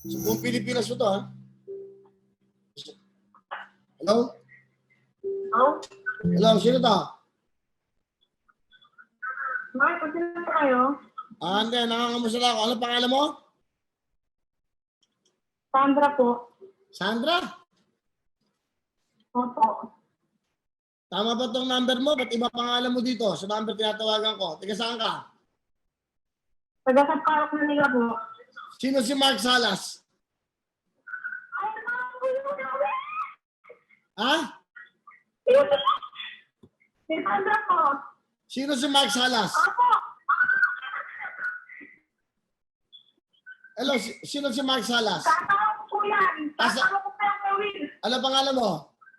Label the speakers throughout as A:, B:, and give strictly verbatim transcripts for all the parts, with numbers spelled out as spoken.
A: So, buong Pilipinas mo to, ha? Hello?
B: Hello?
A: Hello, sino to?
B: Bakit po sino po kayo?
A: Ah, hindi, nangangamusta lang ako. Ano pangalan mo?
B: Sandra po.
A: Sandra?
B: Opo.
A: Tama ba tong number mo? Ba't iba pangalan mo dito? Sa number tinatawagan ko. Tiga saan ka?
B: Taga sa Parok na nila po.
A: Sino si Mark Salas?
B: Ay, naman po yung gawin!
A: Ha?
B: Si Sandra po.
A: Sino si Mark Salas?
B: Opo.
A: Hello, si- sino si Mark Salas?
B: Tatawag ko po yan.
A: Asa-
B: Tatawag ko po yung gawin.
A: Ano pangalan mo?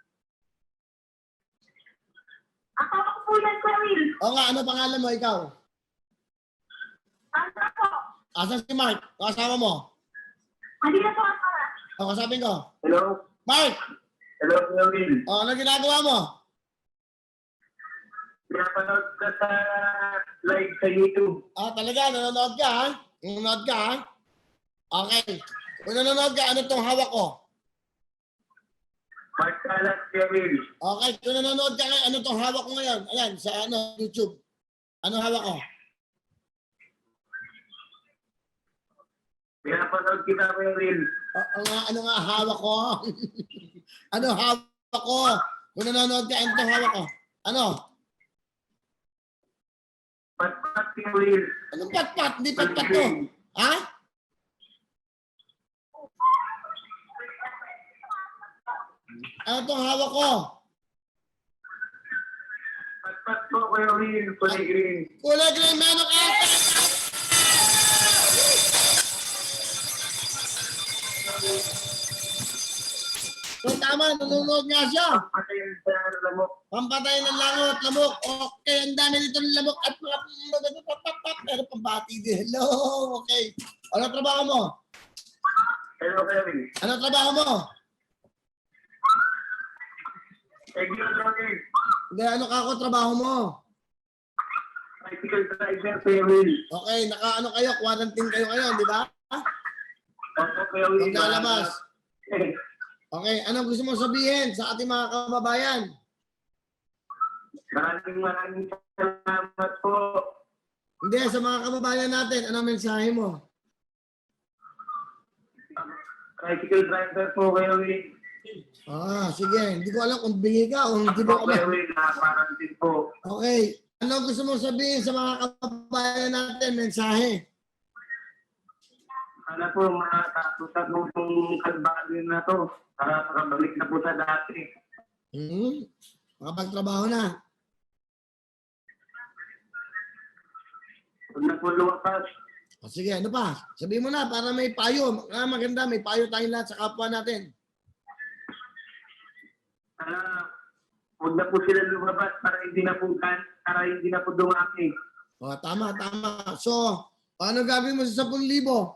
B: Tatawag ko po yan, Kuya Will.
A: O nga, ano pangalan mo ikaw?
B: Sandra po.
A: Asan si Mark? Kasama mo?
B: Hindi na po ako.
A: O, kasapin ko.
C: Hello?
A: Mark!
C: Hello, Kuya Will.
A: O, ano ginagawa mo?
C: Pinapanood ka sa live sa YouTube.
A: Ah, talaga, nanonood ka, ha? Nanonood ka, ha? Okay. Kung nanonood ka, ano tong hawak ko?
C: Mark Salas, Kuya Will.
A: Okay, kung nanonood ka ngayon, ano tong hawak ko ngayon? Ayan, sa ano, YouTube. Ano hawak ko?
C: Pinapanood kita, Kuya Will.
A: O, o nga, ano nga hawak ko? Ano hawak ko? Kung nanonood ka, ano tong hawak ko? Ano?
C: Pat-pat, Kuya Will.
A: Anong pat-pat? Hindi pat-pat to. Ha? Ano tong hawak ko?
C: Pat-pat po, Kuya Will. Kulay green.
A: Kulay green, meron ka! So tama, nanonood nga siya.
C: Patayin sa lamok.
A: Pampatay ng langot, lamok. Okay, ang dami dito ng lamok at mga pero pambati din. Hello, okay. Ano trabaho mo?
C: Hello, Kuya Will.
A: Ano trabaho mo?
C: Thank you, Kuya Will.
A: Hindi, ano ka ako trabaho mo?
C: Bicycle driver, Kuya Will.
A: Okay, naka ano kayo, quarantine kayo ngayon, di ba?
C: Opo, Kuya Will.
A: Huwag lalabas.
C: Eh,
A: Okay, ano gusto mo sabihin sa ating mga kababayan?
C: Maraming maraming salamat po.
A: Hindi, sa mga kababayan natin, ano mensahe mo?
C: Bicycle driver po, Kuya Will.
A: Ah, sige. Hindi ko alam kung bingi ka o hindi mo
C: Ako,
A: ka.
C: Kuya Will, nakaparantin po.
A: Okay. Ano gusto mo sabihin sa mga kababayan natin? Mensahe.
C: Sana po makatapos na po itong kalbaryo na to. Para makabalik na po sa dati.
A: Hmm. Makapagtrabaho na.
C: Huwag na po lumakas.
A: O sige, ano pa? Sabihin mo na para may payo. Ah, maganda, may payo tayong lahat sa kapwa natin.
C: Sana huwag na po sila lumabas para hindi na po kan, para hindi na po dumami.
A: O, tama, tama. So, ano gagawin mo sa ten libo?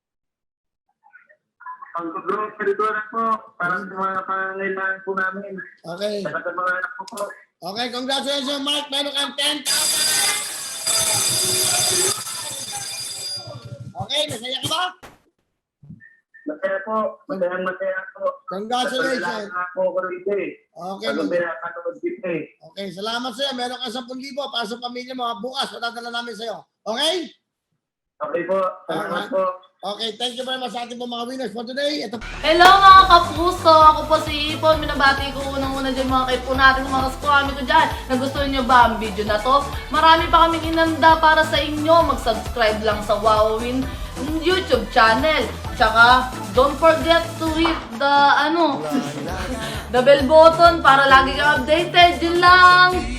C: Pag-grocery ko na po para sa mga pangangailangan po namin.
A: Okay.
C: Saka sa mga anak ko po.
A: Okay, congratulations, Mark. Meron kang ten thousand. Okay, nasaya ka ba?
C: Masaya po. Masaya masaya po.
A: Congratulations.
C: Kailangan po ko rito eh.
A: Okay,
C: Pag
A: mag-
C: pinapanood dito eh.
A: okay, salamat sa'yo. Meron kang ten thousand para sa pamilya mo. Bukas, matadala namin sa'yo. Okay?
C: Okay po. Salamat po.
A: Okay, thank you very much sa ating po mga winners for today. Ito
D: Hello mga kapuso! Ako po si Ipon. Minabati ko unang-una dyan mga kaipo natin, mga kaskwami ko dyan. Nagustuhan nyo ba ang video na to? Marami pa kaming inanda para sa inyo. Mag-subscribe lang sa Wowin YouTube channel. Tsaka, don't forget to hit the, ano, the bell button para lagi kang updated. Yun lang!